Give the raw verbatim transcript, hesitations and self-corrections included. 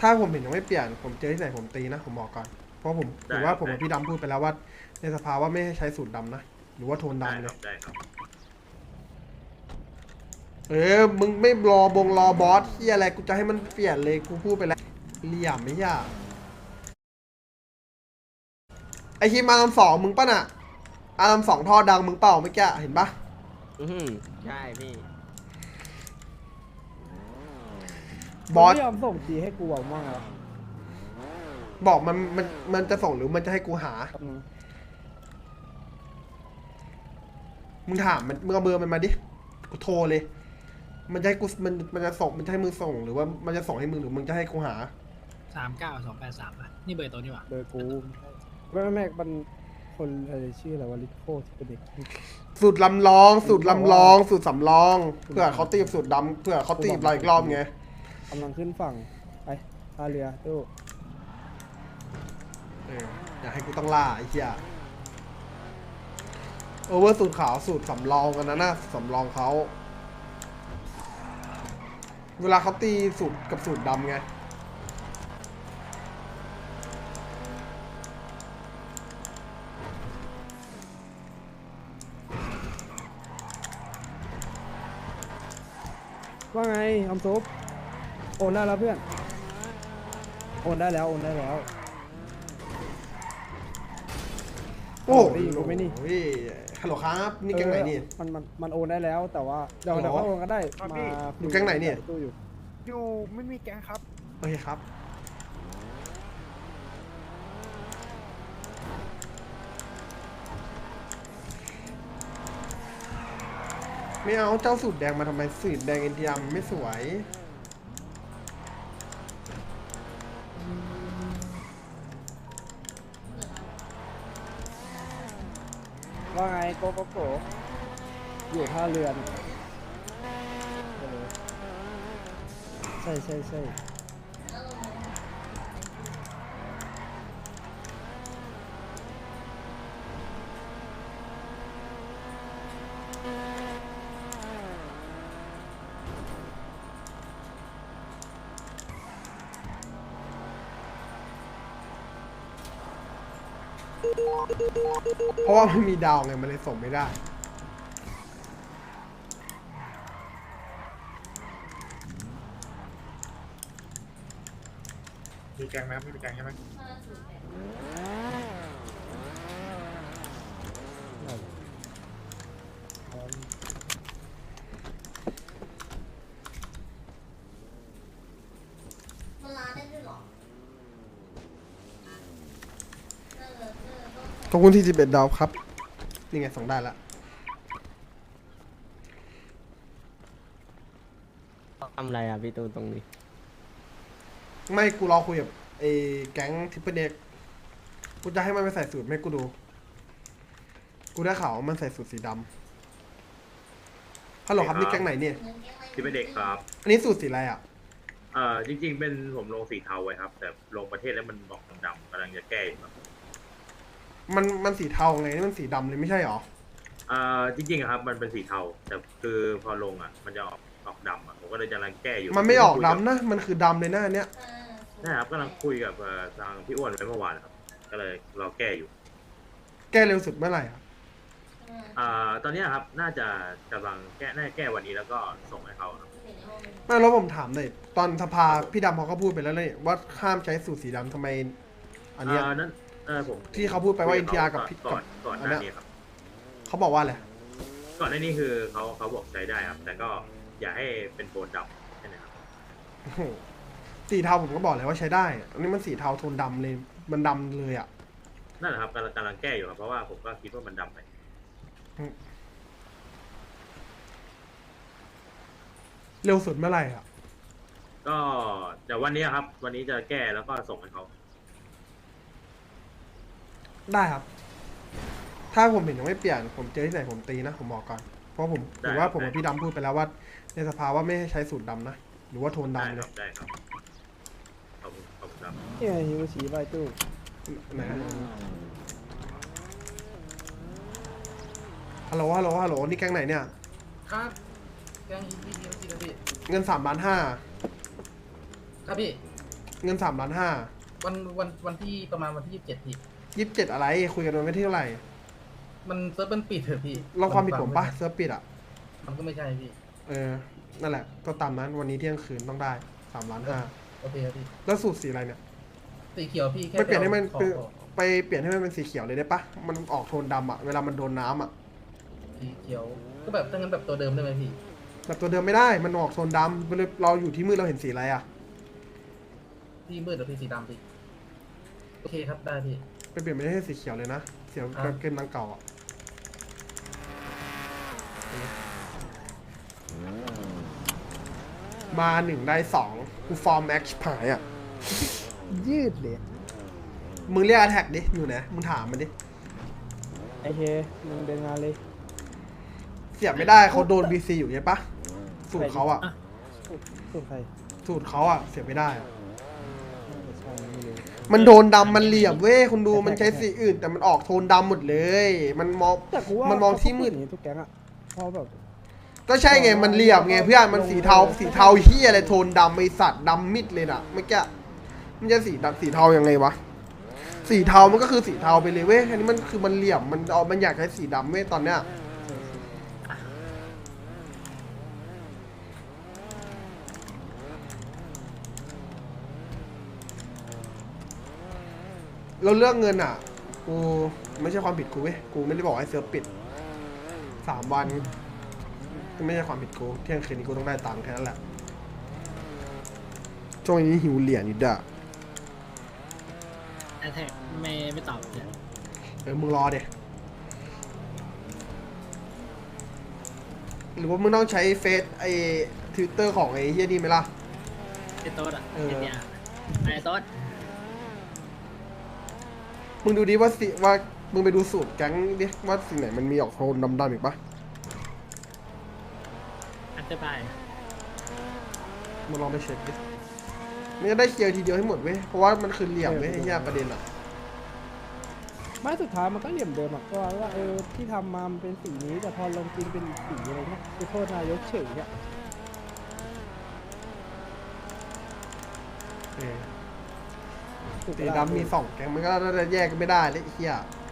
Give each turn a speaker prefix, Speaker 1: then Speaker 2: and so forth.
Speaker 1: ถ้าผมเห็นยังไม่เปลี่ยนผมเจอที่ไหนผมตีนะผมบอกก่อนเพราะผมถือว่าผมกับพี่ดำพูดไปแล้วว่าในสภาว่าไม่ให้ใช้สูตรดำนะหรือว่าโทนดำเลย
Speaker 2: ได้ครับ
Speaker 1: เออมึงไม่รอบงรอบอสที่อะไรกูจะให้มันเปลี่ยนเลยกูพูดไปแล้วเหลี่ยมไม่ยากไอทีมอาร์มสองมึงป่ะน่ะอาร์มสองท่อดังมึงเปล่าเมื่อกี้เห็นปะ
Speaker 3: อืมใช่พี่
Speaker 1: บอส
Speaker 4: ไม่ยอมส่งจีให้กูบอกมั่งเหรอ
Speaker 1: บอกมันมันมันจะส่งหรือมันจะให้กูหามึงถามมันมึงเอาเบอร์มันมาดิกูโทรเลยมันจะให้กูมันมันจะส่งมันจะให้มึงส่งหรือว่ามันจะส่งให้มึงหรือมึงจะให้กูหา
Speaker 5: สามเก้าสองแปดสามอ่ะนี่เบอร์ตัวนี่หว่า
Speaker 4: เบอร์กูไม่ไม่ไม่มันคนอะไรชื่ออะไรวะลิโก้ที่เป็นเด็ก
Speaker 1: สูตรลำลองสูตรลำลองสูตรสำรองเพื่อเขาตีบสูตรดำเพื่อเขาตีบเราอีกรอบไง
Speaker 4: กำลังขึ้นฝั่งไปท่าเรือตู้
Speaker 1: เอออยากให้กูต้องล่าไอ้เหี้ยโอเวอร์สูตรขาวสูตรสำรองกันนะนะสำรองเขาเวลาเขาตีสูตรกับสูตรดำไง
Speaker 4: ว่าไงออมซุปโอนได้แล้วเพื่อนโอนได้แล้วโอนได้แล้ว
Speaker 1: โอ้
Speaker 4: ได้ยินกูไหมนี่
Speaker 1: โอ้ยฮัลโหลครับนี่แก๊งไหนนี่
Speaker 4: มันมันมันโอนได้แล้วแต่ว่าเดี๋ยว
Speaker 1: หรอ
Speaker 4: เดี๋ยวเขาโอนก็ได้มา
Speaker 1: อยู่แก๊งไหนเนี่ย
Speaker 4: ตู้อยู่
Speaker 6: อยู่ไม่มีแก๊งครับ
Speaker 1: โอเคครับไม่เอาเจ้าสูตรแดงมาทำไมสูตรแดงเอ็นทีอาร์ไม่สวย
Speaker 4: ว่าไงโกโกโกอยู่ท่าเรือนะเออใช่ใช่ใช่
Speaker 1: เพราะว่าไม่มีดาวไงมันเลยส่งไม่ได้
Speaker 6: มีแก๊งไหมไม่มีแก๊งใช่ไหม
Speaker 7: มันร้านได้ด้วยเหรอ
Speaker 1: ขอบคุณที่สิบเอ็ดดาวครับนี่ไงส่งได้ละ
Speaker 3: ทำอะไรอ่ะพี่ตูนตรงนี้
Speaker 1: ไม่กูรอคุยกับไอ้แก๊งทิปเปิลเด็กกูจะให้มันไปใส่สูตรไม่กูดูกูได้ข่าวว่ามันใส่สูตรสีดำฮัลโหลครับนี่แก๊งไหนเนี่ย
Speaker 2: ที่เป็นเด็กครับ
Speaker 1: อันนี้สูตรสีอะไรอ่ะ
Speaker 2: เอ่อจริง ๆ เป็นผมลงสีเทาไว้ครับ แต่ลงประเทศแล้วมันบอกดำๆกำลังจะแก้อยู่ครับ
Speaker 1: มันมันสีเทาไงนี่มันสีดำเลยไม่ใช่หรอ
Speaker 2: เอ่อจริงๆอะครับมันเป็นสีเทาแต่คือพอลงอ่ะมันจะออกออกดำอ่ะผมก็เลยกำลังแก้อยู่
Speaker 1: มันไม่ออกดำนะมันคือดำเลยนะอันเนี้ย
Speaker 2: ใช่ครับกำลังคุยกับเอ่อทางพี่อ้วนไว้เมื่อวานครับก็เลยรอแก้อยู่
Speaker 1: แก้เร็วสุดเมื่อไหร่อะ
Speaker 2: อ่าตอนเนี้ยครับน่าจะกำลังแก้น่าจะแก้วันนี้แล้วก็ส่งให้เขาครับ
Speaker 1: ไม่แล้วผมถามหน่อยตอนสภาพี่ดำเขาก็พูดไปแล้วเลยว่าห้ามใช้สูตรสีดำทำไมอันเนี้ย
Speaker 2: อ่านั้นเออผม
Speaker 1: ที่เขาพูดไปว่า เอ็น ที อาร์ กับพี่
Speaker 2: ก่อนก่อนห
Speaker 1: อัน
Speaker 2: น้า
Speaker 1: เนี้ย
Speaker 2: นี้ครับ
Speaker 1: เขาบอกว่าอะไร
Speaker 2: ก่อนหน้านี้คือเขาเขาบอกใช้ได้ครับ แต่ก็อย่าให้เป็นโทนดำใช่ไหมครับ
Speaker 1: โอ้โหสีเทาผมก็บอกเลยว่าใช้ได้อันนี้มันสีเทาโทนดำเลยมันดำเลยอ่ะ
Speaker 2: นั่นแหละครับกำลังกำลังแก้อยู่ครับเพราะว่าผมก็คิดว่ามันดำไป
Speaker 1: เร็วสุดเมื่อไหร่อ่ะ
Speaker 2: ก็เดี๋ยววันนี้ครับ วันนี้จะแก้แล้วก็ส่งให้เขา
Speaker 1: ได้ครับ ถ้าผมเห็นยังไม่เปลี่ยนผมเจอที่ไหนผมตีนะผมบอกก่อนเพราะผมถือว่าผมกับพี่ดำพูดไปแล้วว่าในสภาว่าไม่ให้ใช้สูตรดำนะหรือว่าโทน
Speaker 2: ได้
Speaker 1: ดำ
Speaker 2: ค
Speaker 1: เล
Speaker 2: รั
Speaker 1: ย
Speaker 2: บได้ครับขอบคุณขอบคุณครับ
Speaker 4: นี่ไงฮิวชีใบตู้
Speaker 1: ไหนฮะฮัลโหลฮัลโหลฮัลโหลนี่แก๊งไหนเนี่ย
Speaker 5: ครับแกงอีพีพีซีครับพี่
Speaker 1: เงินสามล้านห้า
Speaker 5: ครับพี่
Speaker 1: เงินสามล้านห้า
Speaker 8: วันวันวันที่ประมาณวันที่ยี่สิบเจ็ดพี่
Speaker 1: ยี่สิบเจ็ดอะไรคุยกันวันที่เท่าไหร่
Speaker 8: มันเซิร์ฟมันปิดเถอะพี่
Speaker 1: ลองความผิดผมปะเซิร์ฟปิดอ่ะ
Speaker 8: มันก็ไม่ใช่พี่
Speaker 1: เออนั่นแหละก็ตามนั้นวันนี้เที่ยงคืนต้องได้สามล้านห้า
Speaker 8: โอเคครับพี่
Speaker 1: แล้วสูตรสีอะไรเนี่ย
Speaker 8: สีเขียวพี่แค่
Speaker 1: ไม่เปลี่ยนให้มัน
Speaker 8: ขอ
Speaker 1: เป็น
Speaker 8: ขอ
Speaker 1: ไปเปลี่ยนให้มันเป็นสีเขียวเลยได้ปะมันออกโทนดำอ่ะเวลามันโดนน้ำอ่ะ
Speaker 8: สีเขียวก็แบบถ้างั้นแบบตัวเดิมได้ไหมพี่
Speaker 1: แบบตัวเดิมไม่ได้มันออกโทนดำเวลาเราอยู่ที่มืดเราเห็นสีอะไรอ่ะ
Speaker 8: ที่มืดหรือพี่สีดำพี่โอเคครับได้พี่
Speaker 1: ไปเปลี่ยนไม่ให้สีเขียวเลยนะเสียว
Speaker 8: อ่ะ
Speaker 1: แบบเกินนังเก่าอ่ะมาหนึ่งได้สองกูฟอร์มแม็กซ์หายอ่ะ
Speaker 4: ยืดเลย
Speaker 1: มึงเรียกแท็กดิอยู่ไหนมึงถามมันดิ
Speaker 4: ไอเคมึงเดินงานเลย
Speaker 1: เสียบไม่ได้เขาโดนบีซีอยู่ใช่ปะสูตรเขาอ่ะ
Speaker 4: สุดใคร
Speaker 1: สูตรเขาอ่ะเสียบไม่ได้อะ
Speaker 4: ไม่ใช่ไม่รู้
Speaker 1: มันโดนดำมันเหลี่ยมเว้ยคุณดูมันใช้สีอื่น แต่มันออกโทนดำหมดเลย มันมอง
Speaker 4: แต่กูว่า
Speaker 1: มันมองที่มืด
Speaker 4: เขาก็พูอย่างนี้ทุกแก๊งอะเพราะแบบ
Speaker 1: ก็ใช่ไงมันเหลี่ยมไงเพื่อนมันสีเทาสีเทาเฮียอะไรโทนดำไอสัตว์ดำมิดเลยน่ะเมื่อกี้มันจะสีดำสีเทายังไงวะสีเทามันก็คือสีเทาไปเลยเว้ยอันนี้มันคือมันเหลี่ยมมันเอามันอยากใช้สีดำเว้ยตอนเนี้ยเราเลือกเงินอ่ะกูไม่ใช่ความผิดกูเว้ยกูไม่ได้บอกให้เซิร์ฟปิดสามวันก็ไม่ใช่ความผิดกูเที่ยงคืนนี้กูต้องได้ตังค์แค่นั้นแหละช่วงนี้หิวเหรียญอยู่ด่ะ
Speaker 5: แอทแทกไม่ไม่ตอบเลย
Speaker 1: เออมึงรอเดี๋ยหรือว่ามึงต้องใช้เฟซไอ้ทวิตเตอร์ของไอ้เฮียนี่ไหมล่ะ
Speaker 5: ไอ้โต๊ดอ่ะ
Speaker 1: เออ
Speaker 5: ไอ้เนี่ยไอ้โต๊ด
Speaker 1: มึงดูดิว่าสิว่ามึงไปดูสูตรแก๊งดิว่าสิ่งไหนมันมีออกโทนดำๆอีกปะ
Speaker 5: อันเตอร์บาย
Speaker 1: มึงลองไปเช็คดิมันจะได้เคลียร์ทีเดียวให้หมดเว้ยเพราะว่ามันคือเหลี่ยมเว้ยไอ้เหี้ยประเด็นอ่ะ
Speaker 4: ไม่สุดท้ายมันก็เหลี่ยมเดิมอะก็ว่าเออที่ทำมามันเป็นสีนี้แต่พอลงจริงเป็นอีกสีอะไรเงี้ยคือโทษนายกเฉยอะ
Speaker 1: เออสีดำมีสองแก๊งมันก็จะแยกกันไม่ได้เลยไอ้เหี้ย